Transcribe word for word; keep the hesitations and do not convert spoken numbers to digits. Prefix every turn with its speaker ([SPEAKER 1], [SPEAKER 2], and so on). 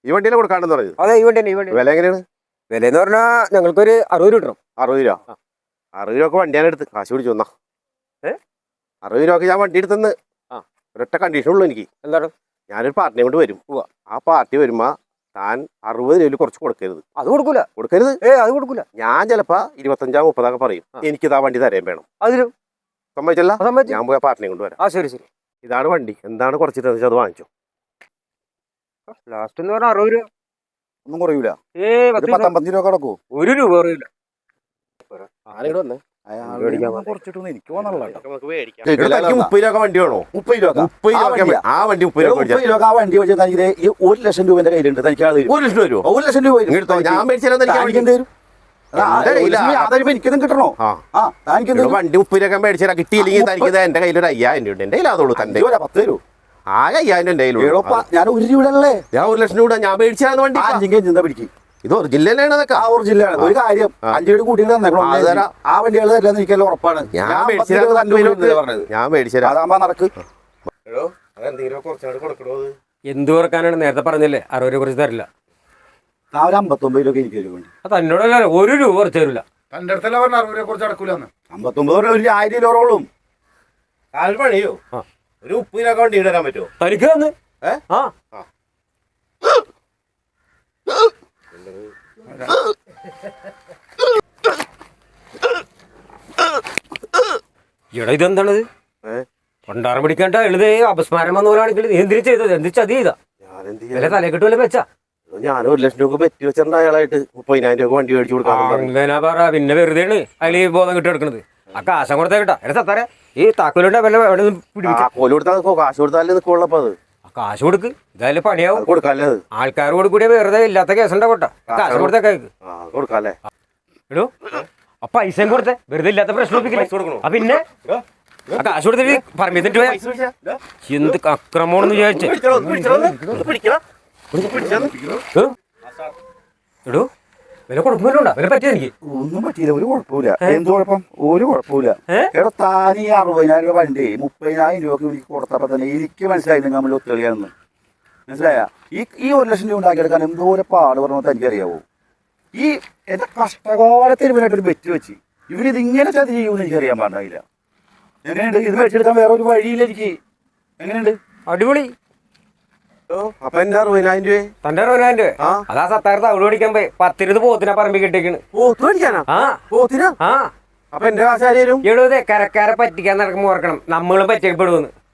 [SPEAKER 1] ഈ വണ്ടിയിലെ കൊടുക്കാണ്ടെന്ന് പറയുന്നത്?
[SPEAKER 2] അതെ, ഈ വണ്ടി തന്നെ. ഈ വണ്ടി
[SPEAKER 1] വില എങ്ങനെയാണ്?
[SPEAKER 2] വില എന്ന് പറഞ്ഞാൽ ഞങ്ങൾക്കൊരു അറുപത് രൂപ കിട്ടണം.
[SPEAKER 1] അറുപത് രൂപ അറുപത് രൂപ വണ്ടിയാണ് എടുത്ത് കാശ് പിടിച്ചു വന്നാ.
[SPEAKER 2] ഏഹ്
[SPEAKER 1] അറുപത് രൂപ ഞാൻ വണ്ടി എടുത്തെന്ന് ഒരൊറ്റ കണ്ടീഷൻ ഉള്ളൂ എനിക്ക്.
[SPEAKER 2] എന്താണ്?
[SPEAKER 1] ഞാനൊരു പാർട്ടിനെ കൊണ്ട് വരും. ആ പാർട്ടി വരുമ്പോ താൻ അറുപത് രൂപയിൽ കുറച്ച് കൊടുക്കരുത്.
[SPEAKER 2] അത് കൊടുക്കൂല.
[SPEAKER 1] കൊടുക്കരുത്?
[SPEAKER 2] ഏ അത് കൊടുക്കൂല.
[SPEAKER 1] ഞാൻ ചിലപ്പോ ഇരുപത്തഞ്ചാ മുപ്പതൊക്കെ പറയും. എനിക്കിതാ വണ്ടി തരാൻ വേണം.
[SPEAKER 2] അതിലും
[SPEAKER 1] സമ്മതിച്ചല്ല, ഞാൻ പോയി പാർട്ടിനെ കൊണ്ട് വരാം.
[SPEAKER 2] ആ ശരി ശരി.
[SPEAKER 1] ഇതാണ് വണ്ടി. എന്താണ് കുറച്ചിട്ട് അത് വാങ്ങിച്ചോ.
[SPEAKER 2] ലാസ്റ്റ് എന്ന് പറഞ്ഞാൽ അറുപത് രൂപ
[SPEAKER 3] ഒന്നും കുറയൂല.
[SPEAKER 2] ഏ
[SPEAKER 3] പത്തമ്പത്തഞ്ച് രൂപ കിടക്കൂ.
[SPEAKER 2] ഒരു രൂപ കുറയില്ല.
[SPEAKER 1] ആരെങ്കിലും വന്നേ
[SPEAKER 3] കുറച്ചിട്ടൊന്നും എനിക്ക് തോന്നണല്ലോ.
[SPEAKER 1] മുപ്പത് രൂപ വണ്ടി വേണോ? മുപ്പത് രൂപ മുപ്പത് രൂപ ആ വണ്ടി മുപ്പത് രൂപ
[SPEAKER 3] മുപ്പത് രൂപ ആ വണ്ടി വെച്ചാൽ തനിക്ക് ഈ ഒരു ലക്ഷം രൂപ എന്റെ കയ്യിലുണ്ട്. തനിക്ക്
[SPEAKER 1] ഒരു ലക്ഷം രൂപ
[SPEAKER 3] ഒരു ലക്ഷം രൂപ
[SPEAKER 1] ഞാൻ മേടിച്ചാൽ
[SPEAKER 3] എനിക്കൊന്നും കിട്ടണോ?
[SPEAKER 1] വണ്ടി മുപ്പത് രൂപ മേടിച്ചാൽ കിട്ടിയില്ലെങ്കിൽ തനിക്ക് എന്റെ കയ്യിൽ ഒരു അയ്യായിരം രൂപ എന്റെ കയ്യിലാതുള്ളൂ. തന്റെ
[SPEAKER 3] പത്ത് തരൂ.
[SPEAKER 1] ആകെ അയ്യായിരം എന്റെ കയ്യിലുള്ളൂ.
[SPEAKER 3] ഞാൻ ഒരു രൂപയല്ലേ
[SPEAKER 1] ഞാൻ ഒരു ലക്ഷം രൂപ ഞാൻ മേടിച്ചാൽ വണ്ടി
[SPEAKER 3] ചിന്ത പിടിക്കും.
[SPEAKER 1] ഇത് ഒറിജിനലാണ്. അതൊക്കെ
[SPEAKER 3] ആ ഒറിജിനലാണ്. ഒരു കാര്യം അഞ്ചേട് കൂട്ടിയിട്ട് ആ വണ്ടികൾ തരാന്ന് എനിക്കെല്ലാം ഉറപ്പാണ്.
[SPEAKER 1] ഞാൻ മേടിച്ചത് ഞാൻ മേടിച്ചത്
[SPEAKER 3] അതാകുമ്പോ നടക്ക്.
[SPEAKER 2] എന്ത് കുറക്കാനാണ്? നേരത്തെ പറഞ്ഞല്ലേ അറുപത് രൂപ കുറച്ച് തരില്ല.
[SPEAKER 3] ആ ഒരു അമ്പത്തൊമ്പത് രൂപ എനിക്ക് തരും വേണ്ടി.
[SPEAKER 2] അത് തന്നോടല്ല, ഒരു രൂപ കുറച്ച് തരില്ല.
[SPEAKER 4] തന്റെ അടുത്തല്ല പറഞ്ഞ അറുപത് രൂപ കുറച്ച് അടക്കൂലെന്ന്.
[SPEAKER 3] അമ്പത്തൊമ്പത് രൂപ ഒരു ആയിരം രൂപയോളം
[SPEAKER 1] പണിയോ. ഒരു മുപ്പത് രൂപ വണ്ടി ഇടാൻ പറ്റുമോ
[SPEAKER 2] തനിക്ക് തന്ന്? ആ എടാ ഇതെന്താണത്? പണ്ടാറം പിടിക്കാണ്ട എഴുതേ അപസ്മാരം വന്ന പോലാണെങ്കിൽ നീ എന്തിനു ചെയ്തത്? എന്ത് ചതി ചെയ്താ? വില തലേ കിട്ടുമല്ലോ വെച്ചാ.
[SPEAKER 1] ഞാൻ ഒരു ലക്ഷം രൂപ പറ്റി വെച്ചിട്ടുണ്ട് അയാളായിട്ട്. മുപ്പതിനായിരം രൂപ വണ്ടി മേടിച്ചു കൊടുക്കാൻ.
[SPEAKER 2] അങ്ങനെ പറ. പിന്നെ വെറുതെയാണ് അതിൽ ബോധം കിട്ടി എടുക്കണത്. ആ കാശം കൊടുത്താ കേട്ടാ. എടാ സത്താരെ ഈ താക്കോലുണ്ട വില എവിടെ
[SPEAKER 1] താക്കോല് കൊടുത്താൽ കാശ് കൊടുത്താലേ നിൽക്കുള്ളപ്പോ അത്
[SPEAKER 2] കാശ് കൊടുക്ക്. ഇതായാലും പണിയാവും.
[SPEAKER 1] കൊടുക്കാല്ലേ?
[SPEAKER 2] ആൾക്കാർ കൊടുക്കൂടിയ വെറുതെ ഇല്ലാത്ത കേസുണ്ടാ കൊട്ട. കാശ് കൊടുത്തേക്ക്
[SPEAKER 1] കൊടുക്കാല്ലേ?
[SPEAKER 2] എടോ ആ പൈസയും കൊടുത്തേ. വെറുതെ ഇല്ലാത്ത പ്രശ്നം ആ പിന്നെ ആ കാശ് കൊടുത്തിട്ട് പറഞ്ഞിട്ട് എന്ത് അക്രമമാണെന്ന് വിചാരിച്ചേ. എടോ വില കുഴപ്പമില്ല. വില പറ്റിയ എനിക്ക്
[SPEAKER 3] ഒന്നും പറ്റിയില്ല. ഒരു കുഴപ്പമില്ല. എന്ത് കുഴപ്പം? ഒരു കുഴപ്പമില്ല. എടാ താൻ ഈ അറുപതിനായിരം രൂപ വണ്ടി മുപ്പതിനായിരം രൂപക്ക് എനിക്ക് കൊടുത്തപ്പോ തന്നെ എനിക്ക് മനസ്സിലായി നിങ്ങൾ നമ്മൾ ഒത്തുകളിയാണെന്ന്. മനസ്സിലായ? ഈ ഈ ഒരു ലക്ഷം രൂപ ഉണ്ടാക്കിയെടുക്കാൻ എന്തോരം പാട് പറഞ്ഞാൽ എനിക്കറിയാവോ? ഈ എന്റെ കഷ്ടകാലത്തിന് ഇവനായിട്ടൊരു ബെറ്റ് വെച്ച് ഇവരിത് ഇങ്ങനെ ചതി ചെയ്യുമെന്ന് എനിക്കറിയാൻ പാടില്ല. എങ്ങനെയുണ്ട് ഇത് വെച്ചെടുക്കാൻ? വേറെ ഒരു വഴിയില്ല എനിക്ക്. എങ്ങനെയുണ്ട്?
[SPEAKER 2] അടിപൊളി.
[SPEAKER 1] അപ്പൊ എന്റെ അറുപതിനായിരം രൂപ
[SPEAKER 2] തന്റെ അറുപതിനായിരം രൂപ അതാ സത്തായിരത്ത് അവിടെ ഓടിക്കാൻ പോയി പത്തിരുപത് പോത്തിനാ പറമ്പി കിട്ടിയേക്കണ്.
[SPEAKER 1] പോത്ത് മേടിക്കാനാ?
[SPEAKER 2] ആ
[SPEAKER 1] പോത്തിനാ?
[SPEAKER 2] ആ
[SPEAKER 1] അപ്പൊ എന്റെ കാശ് ആരും
[SPEAKER 2] എഴുതേ കരക്കാരെ പറ്റിക്കാൻ നടക്കുമ്പോ ഓർക്കണം നമ്മളും പറ്റിക്കപ്പെടുമെന്ന്.